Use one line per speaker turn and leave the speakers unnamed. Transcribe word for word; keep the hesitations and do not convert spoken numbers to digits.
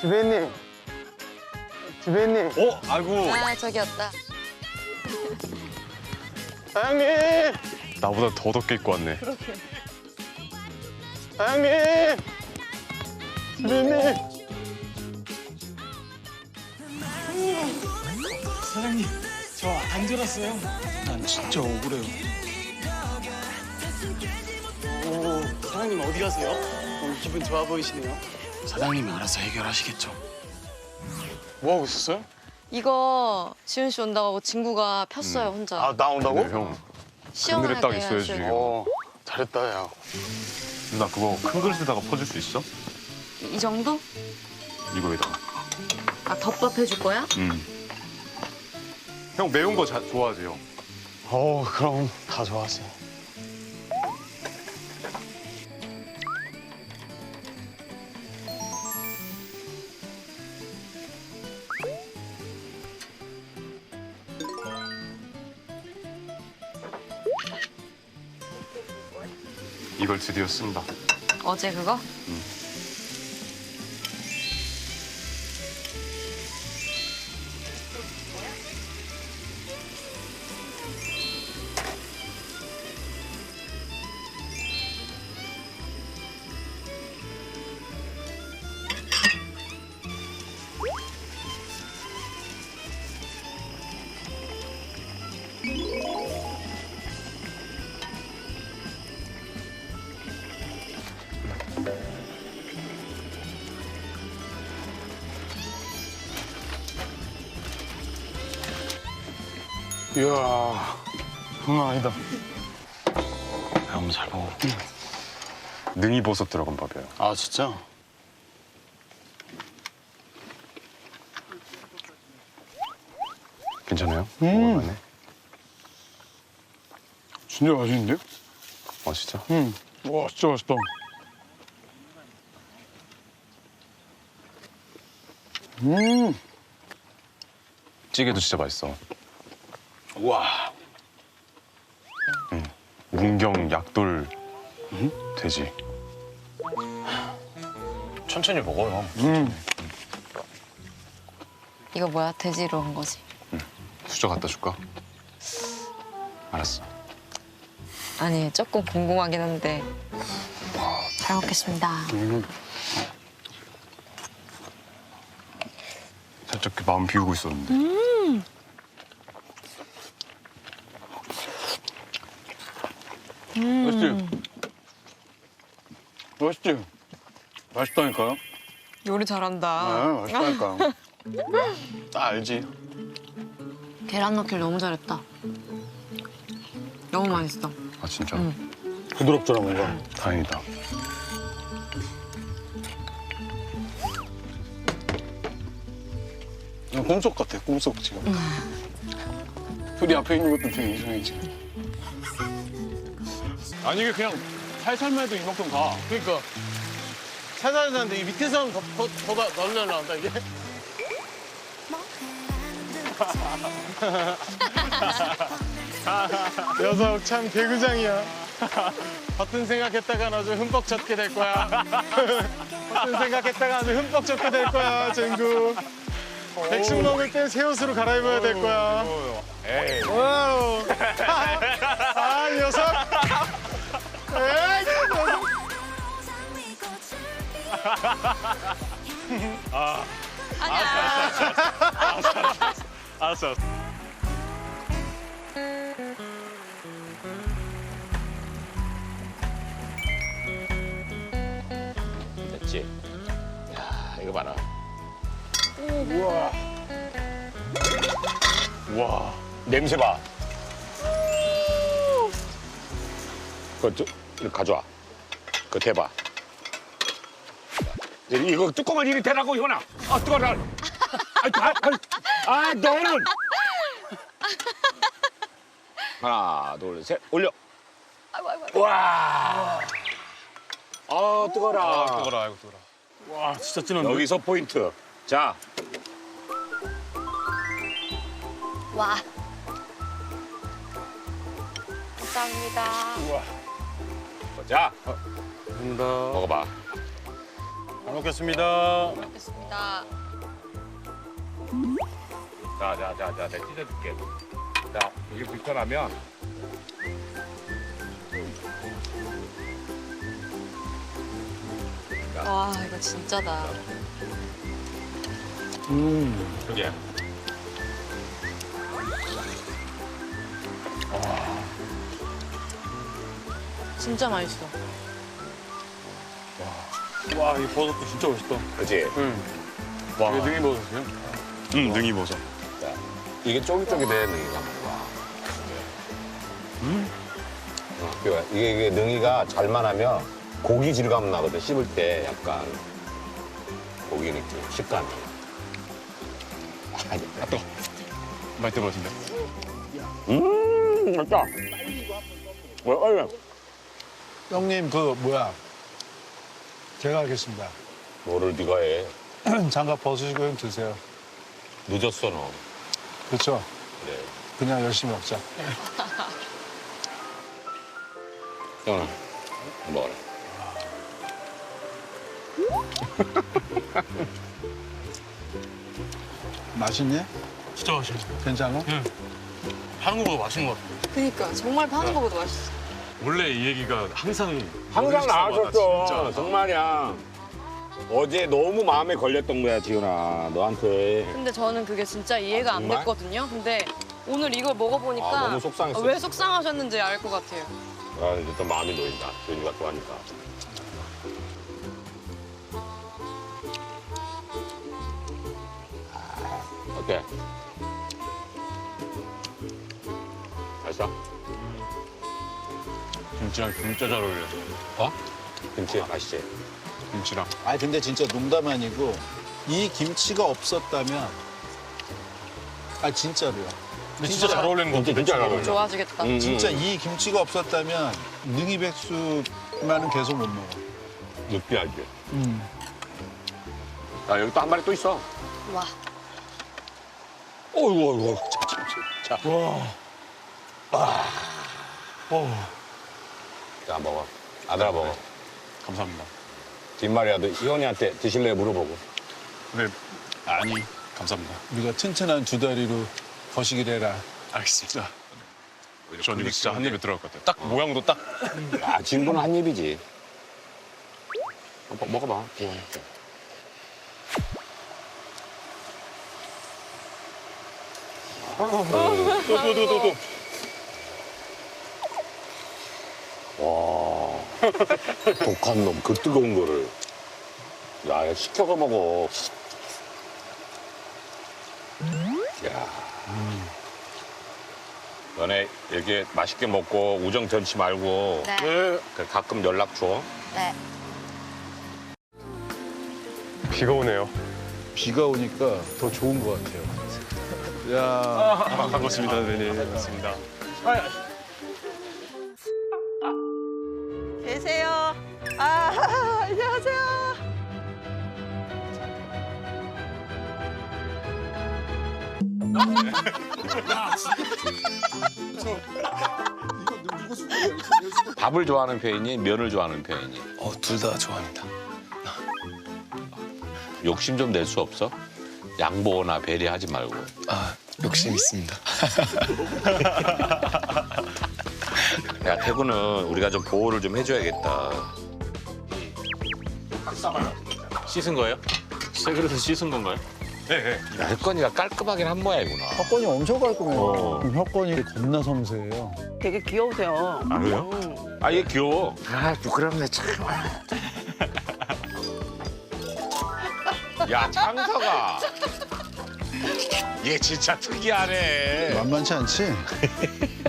지배님. 지배님.
어? 아이고.
아, 저기였다.
사장님.
나보다 더 덥게 입고 왔네.
사장님. 지배님.
사장님, 저 안 들었어요. 난 진짜 억울해요. 오, 사장님 어디 가세요? 오늘 기분 좋아 보이시네요. 사장님이 알아서 해결하시겠죠.
뭐 하고 있었어요?
이거 지훈 씨 온다고 친구가 폈어요, 혼자.
아, 나 온다고?
근데 형,
시원하게
그늘에 딱 있어야지.
해야지.
어, 잘했다, 야.
누나 그거 큰 그릇에다가 퍼줄 수 있어?
이 정도?
이거에다가.
아, 덮밥 해줄 거야?
음. 형 매운 거 자, 좋아하세요?
어, 그럼 다 좋아하지.
이걸 드디어 쓴다.
어제 그거?
이야, 장난 아니다.
너무 잘 먹어.
능이버섯 들어간 밥이에요.
아, 진짜?
괜찮아요?
음.
먹을만해?
진짜 맛있는데요?
아 진짜?
응. 와, 진짜 맛있다. 음.
찌개도 진짜 맛있어.
와.
문경 약돌 돼지. 천천히 먹어요.
음.
이거 뭐야? 돼지로 한 거지?
수저 갖다 줄까? 알았어.
아니, 조금 궁금하긴 한데. 잘 먹겠습니다.
음.
살짝 그 마음 비우고 있었는데.
음.
맛있지? 맛있지? 맛있다니까요?
요리 잘한다.
아, 맛있다니까. 다 알지?
계란 넣기를 너무 잘했다. 너무 맛있어.
아 진짜?
응.
부드럽더라, 뭔가.
다행이다.
그냥 꿈속 같아, 꿈속 지금. 둘이 앞에 있는 것도 되게 이상해, 지금.
아니 이게 그냥 살살만 해도 이만큼 가.
그러니까. 살살 하는데 이 밑에서는 더, 더, 더, 더 날려 나온다, 이게. 녀석 참 개구장이야. 버튼 생각했다가 아주 흠뻑 젖게 될 거야. 버튼 생각했다가 아주 흠뻑 젖게 될 거야, 쟁구. 백숙 먹을 땐 새 옷으로 갈아입어야 될 거야.
에이.
와우. 아, 이 녀석. 에이, 이 녀석.
아니야.
알았어. 알았어.
됐지? 야, 이거 봐라.
와.
냄새 봐. 그거 좀 이거 가져와. 그거 대봐. 이거 뚜껑을 이리 대라고, 이거나. 아, 뜨거워라. 아, 아, 아, 아, 너는. 하나, 둘, 셋, 올려.
아이고, 아이고, 아이고.
와. 아, 뜨거라.
아, 뜨거라, 아이고 뜨거라.
와, 진짜 진한데?
여기서 포인트. 자,
와. 감사합니다.
자,
감사합니다.
먹어봐.
먹겠습니다.
먹겠습니다.
자, 자, 자, 자, 내가 찢어줄게. 자, 이게 불편하면
와 이거 진짜다.
그게
진짜 맛있어.
와, 이 버섯도 진짜 맛있다.
그지?
와. 이게 능이 버섯이요? 응, 능이 버섯.
이게 쫄깃쫄깃해 능이가. 와. 음? 어, 그래. 이게, 이게 능이가 잘만 하면 고기 질감 나거든. 씹을 때 약간 고기 느낌, 식감이. 아, 아, 또.
맛있게 버섯인데.
음, 맛있다. 왜, 얼른.
형님 그 뭐야 제가 하겠습니다.
뭐를 네가 해?
장갑 벗으시고 형 드세요.
늦었어 너.
그렇죠?
그래.
그냥 열심히 먹자.
형아, 먹어라.
맛있니?
진짜 맛있어.
괜찮아?
하는 거보다 맛있는 것 같아.
그니까 정말 파는 거보다 맛있어.
원래 이 얘기가 항상
항상
먹을 때마다
나왔었어.
진짜.
정말이야. 어제 너무 마음에 걸렸던 거야, 지훈아. 너한테.
근데 저는 그게 진짜 이해가 안
정말?
됐거든요. 근데 오늘 이걸 먹어보니까
아, 너무 속상했어.
왜 속상하셨는지 알 것 같아요.
아, 이제 또 마음이 놓인다. 지훈이가 좋아하니까. 아, 어때? 맛있어?
김치랑 진짜 잘 어울려.
어? 김치 맛있지?
김치랑.
아니 근데 진짜 농담 아니고 이 김치가 없었다면 아 진짜로요.
근데 진짜 잘 어울리는 거
김치 진짜 잘 어울려.
좋아지겠다.
음,
진짜
음.
이 김치가 없었다면 능이백숙만은 계속 못 먹어.
느끼하지?
음.
야, 여기 또 한 마리 또 있어.
와.
어이구, 어이구. 자, 자, 자. 자. 와. 아. 자, 먹어. 아들아, 먹어.
감사합니다.
뒷말이라도 희원이한테 드실래 물어보고.
네. 아니, 감사합니다.
우리가 튼튼한 두 다리로 거시기를 해라.
알겠습니다. 전 이거 진짜 한 입에 들어갈 것 같아요. 딱 모양도 딱.
야, 진도는 한 입이지. 먹- 먹어봐.
또또또또
와, 독한 놈, 그 뜨거운 거를. 야, 야, 시켜서 먹어. 야. 너네 이렇게 맛있게 먹고 우정 변치 말고
네.
네.
그 가끔 연락 줘.
네.
비가 오네요.
비가 오니까 더 좋은 것 같아요. 야.
아, 반갑습니다, 선생님. 반갑습니다.
계세요. 아, 안녕하세요.
밥을 좋아하는 편이니 면을 좋아하는 편이니?
어, 둘 다 좋아합니다.
욕심 좀 낼 수 없어? 양보나 배려하지 말고.
아, 욕심 있습니다.
야, 태구는 우리가 좀 보호를 좀 해줘야겠다.
씻은 거예요? 새 그릇에 씻은 건가요? 네, 네.
야, 혜건이가 깔끔하긴 한 모양이구나.
혁건이 엄청 깔끔해요.
어.
혁건이 겁나 섬세해요.
되게 귀여우세요.
아, 그래요?
음.
아, 얘 귀여워. 아, 부끄럽네, 참. 야, 창서가. 얘 진짜 특이하네.
만만치 않지?